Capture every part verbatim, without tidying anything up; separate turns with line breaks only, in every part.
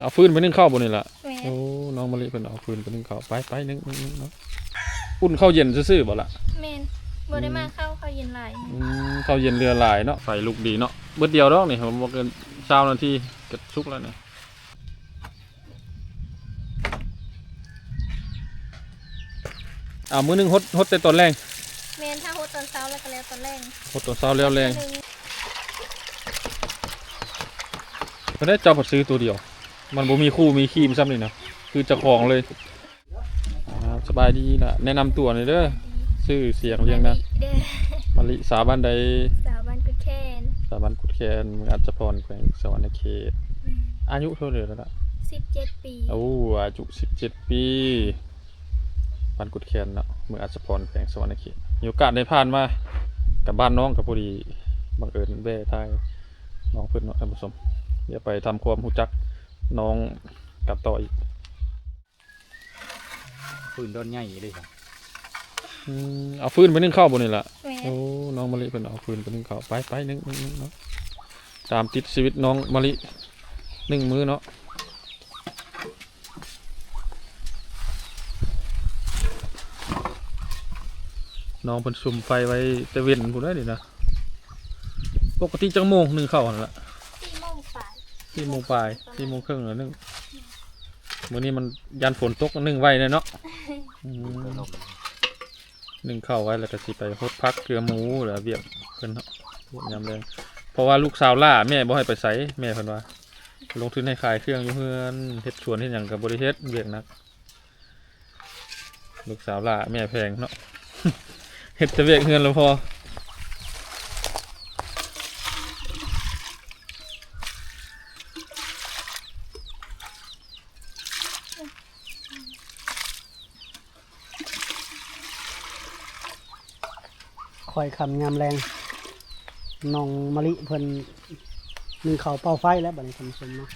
เอาฟืนไปนึ่งข้าวบนนี่แหละ
แม่
โอ้น้องมะลิเป็นเอาฟืนไปนึ่งข้าวไปไปนึ่งนึ่งนึ่งเนาะอุ่นข้าวเย็นซื่อๆบ่ล่ะ
แม่นบ่ได้มาเข้าเขาเย็นหลาย
อืมข้าวเย็นเรือหลายเนาะไฟลุกดีเนาะเบิดเดียวดอกนี่ผมบอกเกินเช้านาทีก็สุกแล้วนี่อ่ามื้อนึงฮดฮดแต่ตอนแรง
แม่นถ้าโฮดตอนเช้าแล้วก็แล้วตอนแรก
ฮดตอนเช้าแล้วแรงก็ได้เจ้าผัดซื้อตัวเดียวมันบ่มีคู่มีครีมซ้ำนี่นะคือเจ้าของเลยอ่าสบายดีล่ะแนะนำตัวหน่อยเด้อชื่อเสียงเรียงนะ
เด้อ
มะลิสาบ้านใด
สาวบ้านกุดแคน
สาบ้านกุดแคนเมืองอัจฉพรแขวงสวรรณเขตอายุเท่าไหร่แล้วล่ะ
สิบเจ็ดปี
โอ้อายุสิบเจ็ดปีบ้านกุดแคนเนาะเมืองอัจฉพรแขวงสวรรณเขตมีโอกาสได้ผ่านมากับบ้านน้องกับพอดีบังเอิญแว่ทายน้องเพื่อนเนาะท่านผู้ชมเดี๋ยวไปทำความรู้จักน้องกับต่ออีก
ปืนโดนใหญ่เลยครับ
อืมเอาฟืนไปนึ่งข้าวบนนี่แหละ
แม่
โอ้น้องมะลิเป็นเอาฟืนไปนึ่งข้าวไปไปนึ่งนึ่งนึ่งเนาะตามติดชีวิตน้องมะลินึ่งมื้อเนาะน้องเป็นซุ่มไฟไว้แต่เว้นพูดได้ดินะปกติจังโมงหนึ่งข้าวนั่นแหละ
สี่โมงฝ่าย
ที่โมงปลายที่โมงครึ่งแล้วนึ่งมื้อนี้มันยันฝนตกนึ่งไว้เลยเนาะอืมหนึ่งข้าวไว้แล้วก็สิไปฮดพักเกลือหมูหรือเบียบเพิ่นเนาะเวียบยำแรงเพราะว่าลูกสาวล่าแม่บ่ให้ไปไสแม่เพิ่นว่าลงทุนให้ขายเครื่องอยู่เฮือนเฮ็ดสวนเฮ็ดหยังก็บ่ได้เฮ็ดเวียกหนักลูกสาวล่าแม่แพงเนาะ เฮ็ดแต่เวียกเฮือนแล้วพอ
คอยคำงามแรงน้องมะลิเพิ่นมีเขาเป่าไฟแล้วบัดนี้ท่านผู้ชมเนาะ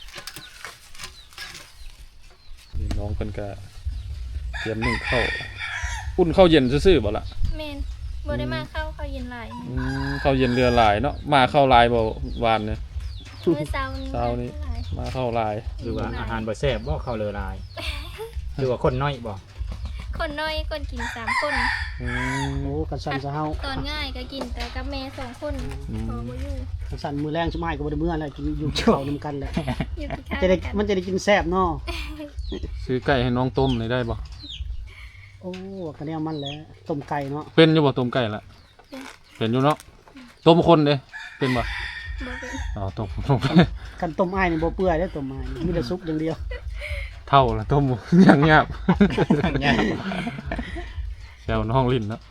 นี่น้องเพิ่นก็เตรียมนึ่งข้าวอุ่นข้าวเย็นซื่อๆบ่ล่ะ
แม่นบ่ได้มาเข้าเขาเย็นหลาย
อืมข้าวเย็นเรือหลายเนาะมาข้าวลายบ่หวานเนี่ย
มื้อเช้า
เช้านี้
หลาย
มาข้าวลาย
หรือว่าอาหารบ่แซ่บบ่เข้าเลยลายหรือว่าคนน้อยบ่
คนน้อยคนกินสามคน
อืม
โอ้กันสั่นจะเฮา
ตอนง่ายก็กินแต่กับแม่สองคนพอบ่อยู่
กันสั่นมือแรงสมัยก็บ่ได้เมื่อแล้วกินอยู่เขานำกันแหละ
อยู่ที่ข้าง
จะได้
กัน
มันจะได้กินแซ่บเนาะ
ซื้อไก่ให้น้องต้มเลยได้บ่
โอ้กันแนวมันแหละต้มไก่เนาะ
เป็นอยู่บ่ต้มไก่ละเป็นอยู่เนาะต้มคนเด้เป็นบ่
บ่เป็น
อ๋อต้มต้ม
กันต้มอ้ายนี่บ่เปื่อยเด้อต้มอ้ายมีแต่สุกอย่างเดียว
เท่าละต้ม อย่างเงียบ
เนี่ย
แซวน้องลิ้นเนาะ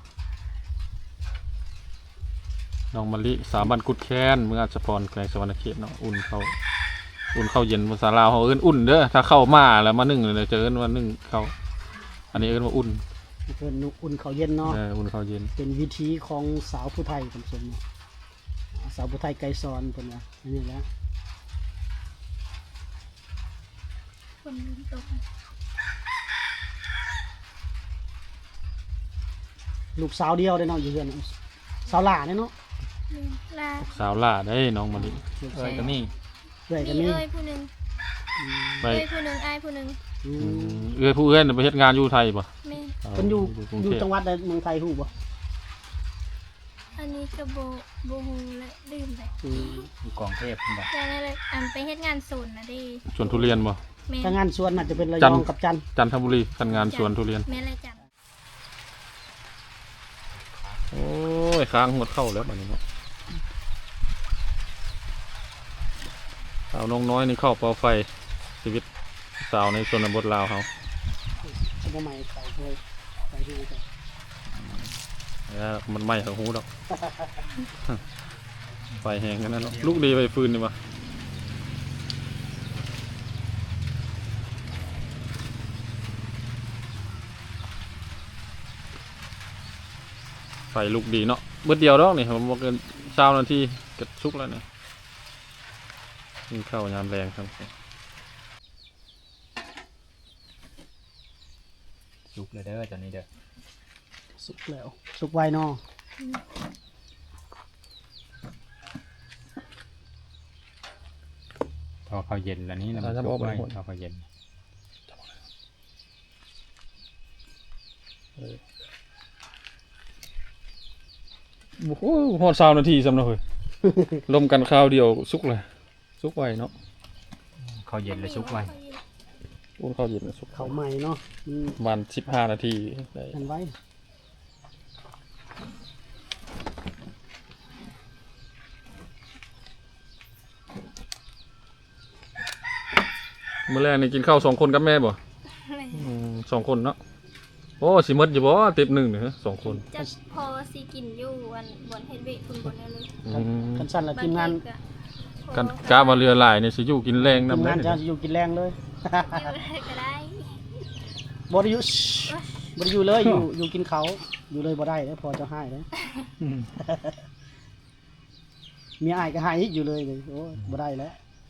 น้องมะลิสาบันกุดแค้นเมืองอัจฉพรแขวงสวรรณเขตเนาะอุ่นเข้าอุ่นเข้าเย็นภาษาลาวเขาเอิ้นอุ่นเด้อถ้าเข้ามาแล้วมานึ่งเลยจะเอิ้นว่านึ่งเข้าอันนี้เอิ้นว่าอุ่น
เพิ่นอุ่นข้าวเย็นเนาะ
เอออุ่นเข้าเย็น
เป็นวิธีของสาวผู้ไทยท่านผู้ชมเนาะสาวผู้ไทยไกรสอนเพิ่นว่าอันนี้แหละ
คนตก
ลูกสาวเดียวเด้อเนาะอยู่เฮือนสาวหล่าเด้อเนาะ
แม่นลา
สาวล่าได้น้องมะลิ
ลูก
เอ้
สาวย
ก็มี
เอื้อยก็
มี
มี
เอ้ยผู้หนึง
ไป
เอ้ยผู้หนึงอ้ายผู้หนึง
อื
อื
ม
มเอื้อยผู้เอื้อยน่ะไปเฮ็ดงานอยู่ไทยป่ะ
แม่น
เพิ่นอยู่
กรุง
อยู่
เทพ
จังหวัดใดเมืองไทยฮู้บ่
อันนี้ก็บ่บ่ฮู้และลืมไป
อืม
อยู่กองเทพพุ่นบ่
อย่างนั้นเลยอันไปเฮ็ดงานศูนย์น่ะเด้
สวนทุเรียนป่ะ
แม่
ถ้างานสวนน่าจะเป็นระ
จั
ย
น
อ
ท
ง
ร์
กับจันทร์
จันทบุรีทำงานสวนทุเรียน
แม่เลยจัด
โอ้ยค้างหมดเข้าแล้วบัดนี้เนาะสาวน้องน้อยนี่เข้าเป่าไฟชีวิตสาวในชนบทลาวเขา
สมัยใหม่ใส่เลยใส่ดูจ้ะ
แล้วมันไหม้ทั้งหูดอก ไฟแห้งกันนั่นเนาะลูกดีไปฟืนดีป่ะไฟลูกดีเนาะเบิดเดียวดอกนี่ผมบอกเกินเช้านาทีก็สุกแล้วเนี่ยกินข้าวยามแรงครับ
สุกเลยเด้อตอนนี้เด้อ
สุกแล้วสุกไวเนาะ
ทพอเขาเย็นแล้วนี้นะมัน
อ่าจะ
สุ
บอก
กไว้
ไปหมด
พอเขาเย็น
โอ้โหฮอดสามนาทีสำหรับเฮ้ย ลมกันคราวเดียวสุกเลยสุกไวเนาะ
เขาเย็นแล้วสุกไว้
อุ่นข้าวเย็นสุก
เขาใหม่เนาะมัน
ประมาณสิบห้านาทีได้
อันไว้
เมื่อแรกนี่กินข้าวสองคนกับแม่บ่
แม่
อืมสองคนเนาะโอ้สิหมดอยู่บ่เต็มหนึ่งเนี่ยสองคน
จะพอสิกินอยู่วันบนเฮ็ดเวทคุณบนได้เลย
อืม
กันสั้นละทีมงาน
กันกะว่าเรือหลายนี่สิอยู่กินแรง
ทีม
นำ
งาน
ได้
จะอยู่กินแรงเลย
อยู่ก็ได้
บ่ได้อยู่บ่ได้อยู่เลยอยู่อยู่กินเขาอยู่เลยบ่ได้เด้อพอจะให้เด้อ
อืม
มีอ้ายก็ให้อีกอยู่เลยเลยโอ้ยบ่ได้แล้ว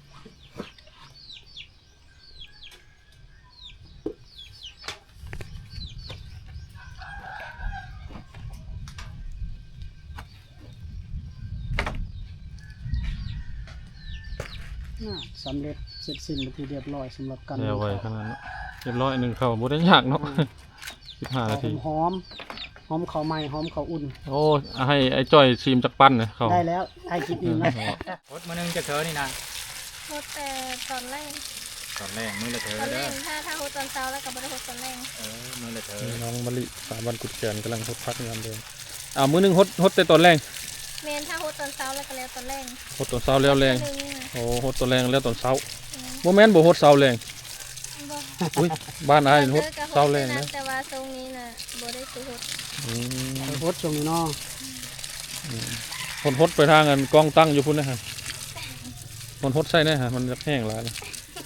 น่าสำเร็จเสร็จสิ้นเป็นที่เรียบร้อยสำหรับการ
เดี๋ยวไว้ขนาดนั้นเรียบร้อยหนึ่งข้าวบ่ได้ยากเนาะสิบห้านาที
หอมหอมข้าวใหม่หอมข้าวอุ่น
โอ้ให้ไอ้จ้อยชิมจักปั้นเลยเขา
ได้แล้วไอ้กินอิ่มแล้ว
พดมื้อนึงจะเธอนี่นะ
โฮดแต่ตอนแรก
ตอนแรกมื้อละเธอ
ตอนแร
เด้อก
ถ้าถ้าโฮดตอนเช้าแล้วก็บ่ได้โฮดตอนแรก
เออมื้อละเธอ
น้องมะลิสามวันกุดแกนกำลังฮดพักงานเดิมอ้าวมื้อหนึงฮดฮดแต่ตอนแรง
เมนถ้าโฮดตอนเช้าแล้วก็แล้วตอนแรก
ฮดตอนเช้าแล้วแรง
หนึ่งน่ะ
โอ้ฮดตอนแรงแล้วตอนเช้าโมแมนบ่ฮดเช้าแรง
บ่
อุ้ยบ้านอ้ายนี่ฮด
เลิกกับโฮ
เช้า
ด
แรง
นะ
นะ
แต่ว่าทรงนี้น่ะบ่ได้ตัวโฮด
อืม
ไปโพสต์ช่วงนี้เนาะ
ฮดฮดไปทางกันกล้องตั้งอยู่พุ่นนะฮะมันฮดใส่แน่ฮะมันจะแห้งหลายเลย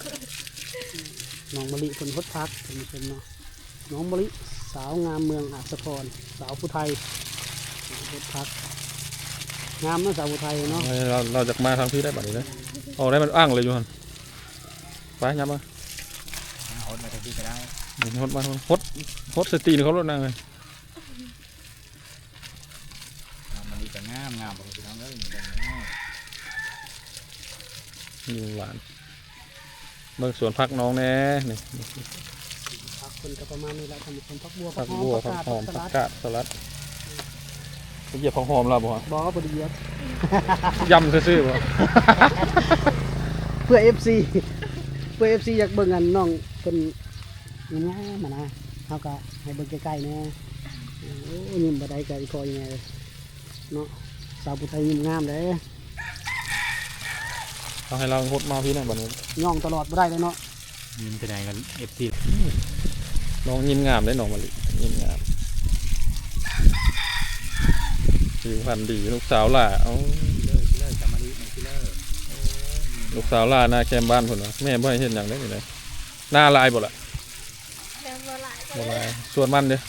น้องมะลิคนพดพักท่านผู้ชมเนาะน้องมะลิสาวงามเมืองอัศพรสาวผู้ไทยพดพักงามเนาะสาวผู้ไทยเนาะ
เราเราจะมาทางพี่ได้บัดนี้เลยเอาได้มันอ้างเลยอยู่หั่นไปยับมา
ฮดมาทันทีก็ได้
ฮดมาฮดฮดสตีนเขาลดนางเลย
เอามันดีก็งามงามบ่พี่น้องเอ้ยมันได้งาม
อยู่หวานเบิ่งสวนพักน้องแน่นี่
พักคนก็ประมาณนี้แหละท่านผู้ชมพักบัว
ผัก
หอม
บัว
ผั
ผั
ก
ก
กาด
หอม
ผั
ผั
ก
ก
สลัด
กาดสลัดไปเหยียบผักหอมเราบ่ฮะ
บอกว่าบไดีเหยียบ
ยำซื่อๆบ่
เพื่อ เอฟ ซี เพื่อ เอฟ ซี อยากเบิ่งอันน้องเป็นงามๆมานะเฮาก็ให้เบิ่งใกล้ๆแน่โอ้ยิ้มบ่ได้ก็อีกพอยังไงเลยเนาะสาวผู้ไทยยิ้มงามเด้
เอาให้เราฮดมาพี่หน่อยบัดนี้
ย่องตลอดบ่ได้เลยเนาะ
ยิ้มไปไหนกัน เอฟ ซี
น้องยิ้มงามได้น้องมะลิยิ้มงามผิวพรรณดีลูกสาวล่ะเอ้า
เลิกเลิกจะมาดีมันสิเลิก
ลูกสาวล่าหน้าแคมบ้านพุ่นน่ะแม่บ่ให้เฮ็ดหยังได้นี่เลยหน้าลายบ่ล่ะ
แบบบ่หลายก็
บ่
เล
ลาย ยส่วนมันเด้อ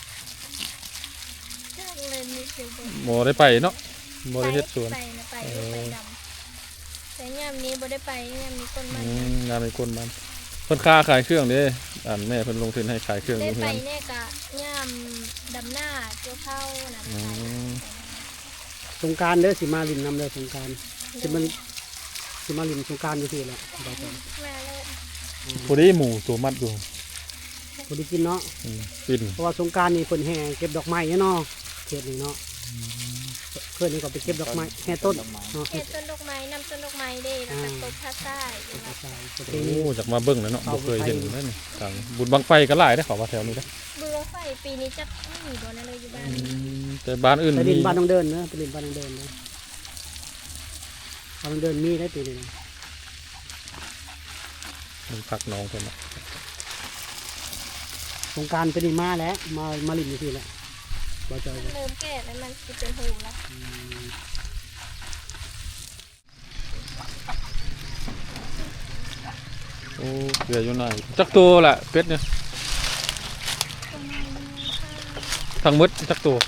จ้างเลยนิดเดียวบ่
บ่ได้ไปเนาะบ่ได้เฮ็ดสวน
ไปนะไป
เออ
ไปดำแต่ยามนี้บ่ได้ไปยามนี้ต้นไม้
อืมงานในคนมันเพิ่นค่าขายเครื่องเด้อันแม่เพิ่นลงทุนให้ขายเครื่องอ
ได้
ยู่
ไป
เฮือน
เนี่ยกะย่ามดำหน้าเกี่ยวข้าวนั่น
อืม
สงกรารเด้อสิมาลินนำเด้อสงกรารสิมาสิมาลินสงกรารอยู่ที่แหละบ่ต้อง
มาเลย
พอดีหมูตัวมัดอยู่
บ่ได้กินเนาะ
อืมปิ่น
เพราะว่าสงกรารนี่เพิ่นแห่เก็บดอกไม้เนาะเขตนี้เนาะเพิ่นนี่ก็ไปเก็บดอกไม้แห่ต้นเนาะ
เฮ็ดต้นดอกไม้นำต้นดอกไม้เด้แล้วก็ตบผ้าใต้
ใช่ประเพ
โอ้
ณี
จากมาเบิ่งแล้วเนาะบ่เคยเห็นเลยนี่ทางบุญบังไฟก็หลายได้อเขาว่าแถวนี้เด้อ
บุรไฟปีนี้จะไม่มีบ่นั่นเลยอยู่บ้าน
อืมแต่บ้านอื่น
ไป
มี
ลินบ้านน้องเดินเนาะไปลินบ้านน้องเดินเนาะบ้านน้องเดินมีได้ปีนี้
มีผักน้องเพิ่นน่ะ
สงกรารเป็นนี่มาแล้วมามาลินอยู่ที่แหละบ่จอย
เริ่มแก่แล้วมันสิเป็นหูแล้ว
โอ้เหลืออยู่ไหนจักตัวล่ะเป็ดเนี่ยทั้งหมดจักตัว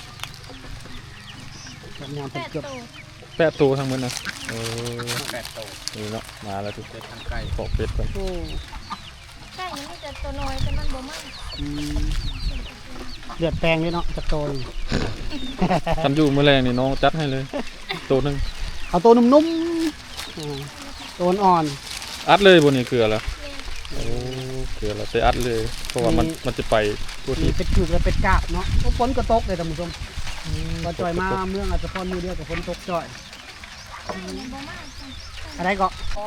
ทำงาน
แป
เป็น
ด
เกือบ
ตัว
แปดตัวทั้งหมดนะโอ้
แปดโต
นี่เนาะมาแล้วทุก
เป็ดทั้งไก่
ปอกเป็ดกัน
โอ้
ใช่มันมีแต่ตัวน้อยแต่มันบ่มาก
อืมเลือดแปลงเลยเนาะจากโตน
คันอยู่มื้อแรงนี่น้องจัดให้เลยตัวหนึง
เอาตัวนุ่มๆอ่าตัวอ่อน
ออัดเลยบนนี้เกลือแล้ว
แม่น
โอ้เกลือแล้วใส่อัดเลย เพราะว่ามันมันจะไปตัว
มี
ที่
เป็ดจุกและเป็ดกาบเนาะโอ้ฝนก็ตกเลยท่านผู้ชมก็จ่อยมาเมืองอาจจะพรมือเดียวกับฝนตกจ่อย
ไข่ในบ่มากจ้ะ
อะไรก็อ๋อ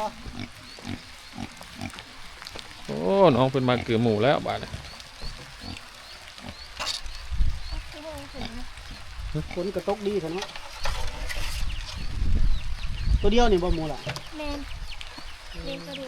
โอ้น้องเป็นมาเกลือหมูแล้วบาดนี้
คือโหเห็นไหม
ฝนก็ตกดีเถอะเนาะตัวเดียวนี่บ่หมูล่ะ
แมนเลี้ยงตัวเดียว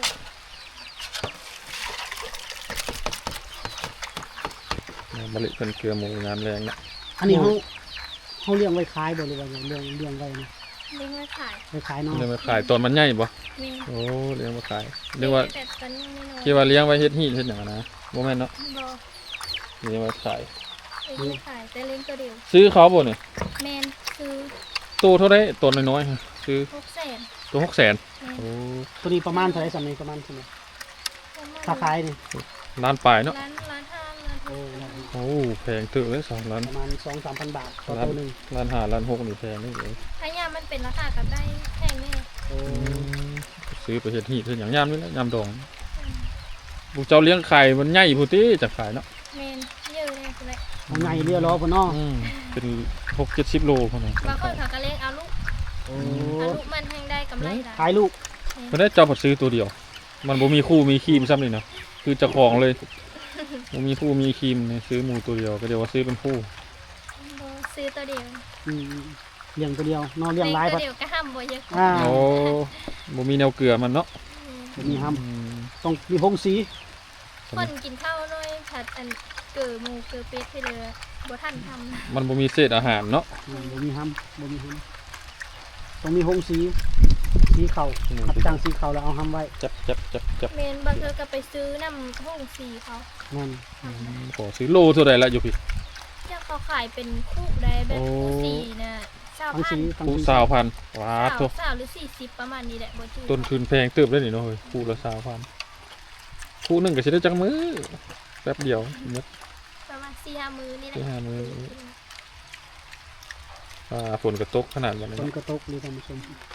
มะลิเป็นเกลือหมูงามแรงนะ
อันนี้เขาเขาเลี้ยงไว้ขายบ่หรือว่าเลี้ยงเลี้ยงไว้นะ
เลี้ยงไว้ขาย
ไว้ขายเนาะ
เลี้ยงมาขายตอนมันใหญ่บ่
แมน
โอ้เลี้ยงมาขายเรียกว่า
แต่ตอนยังไม่น้อย
คิดว่าเลี้ยงไว้เฮ็ดฮีดเฮ็ดหยังอะนะบ่แม่นเนาะ
บ่
เลี้ยงไว้ขาย
เลี้ยงไว้ขายแต่เลี้ยงตัวเดียว
ซื้อเขาบ่เนี่ย
แมนคือ
ตัวเท่าไดตัวน้อยๆฮะซื้อ
หกแสน
ตัวหกแสน
แม่น
โอ้
ตัวนี้ประมาณเท่าไหร่สำเนีประมาณเท่าไหร่
ประมาณ
ถ้าขายนี่
ล้านปลายเนาะ
ล้านล้านห้าล้านห
โอ้
ก
โอ้แพงถึงเลยสองล้าน
ประมาณสองสามพันบาทต่อ
ล้าน
ตัวหนึ่ง
ล้านห้าล้านหกนี่แพงนี่เลย
ถ้ายามมันเป็นราคากับได้แพงแน่
โอ้
ซื้อไปเฮ็ดฮีดเฮ็ดหยังยามนี่แหละยามดองบุกเจ้าเลี้ยงไข่มันใหญ่พุติจะขายเนาะ
แมนเยอะเลยคุณเลย
เอาไงเรียล้อพุ่นเนาะ
อืมเป็นหกเจ็ดสิบโลพุ่นน่ะ
บางคนเขาก็เลี้ยงเอาลูก
โอ้
เอาลูกมันแทงได้กำไรได้
ขายลูก
เพิ่นได้เจ้าผัดซื้อตัวเดียว มันบ่มีคู่มีครีมซ้ำนี่เนาะคือเจ้าของเลยบ่มีคู่มีครีมเนี่ยซื้อหมูตัวเดียวก็เดี๋ยวว่าซื้อเป็นคู่
บ่ซื้อตัวเดียว
อืมเลี้ยงตัวเดียวเนอนเลี้ยงหลาย
ตั
พั
ว
ด
เดียวก็ห้ามบ่เยอะ
อ่า
โอ้บ่มีแนวเกลือมันเนาะ
บ่มีห้
อืม
ำต้องมีพงสี
คนกินข้าวน้อยผัดอันเกิดหมูเกิดเป็ดไปเลยบ่ทันทำ
มันบ่มีเศษอาหารเนาะ
อืมบ่มีห้ำบ่มีห้ำต้องมีพงสีสีเข่าขับจ้างสีเข่าแล้วเอาห้ำไว้
จับจับจับจับ
เมนบางเธอก็ไปซื้อน้ำห้องสีเขา
นั่น
อืมขอซื้อโลเท่าใดละอยู่พี่
เจ้าเขาขายเป็นคู่ได้แบบคู่สีนะสาว
ทั้ง
พั
สี
น
ทั้ง
คู่
สี
สาวพันว้า
สาว
โต
สาวหรือสี่สิบประมาณนี้แหละบ่จืด
ต้นทุนแพงเติบได้นี่เนาะเฮ้ยคู่ละสาวพันคู่หนึงก็สิได้จักมื้อแป๊บเดียวหมด
ประมาณสี่ห้ามือนี่แหละ
สี่ห้ามื้อ อ่าฝนก็ตกขนาดบัด
ฝ
นี้
นกระตกเลยท่านผู้ชม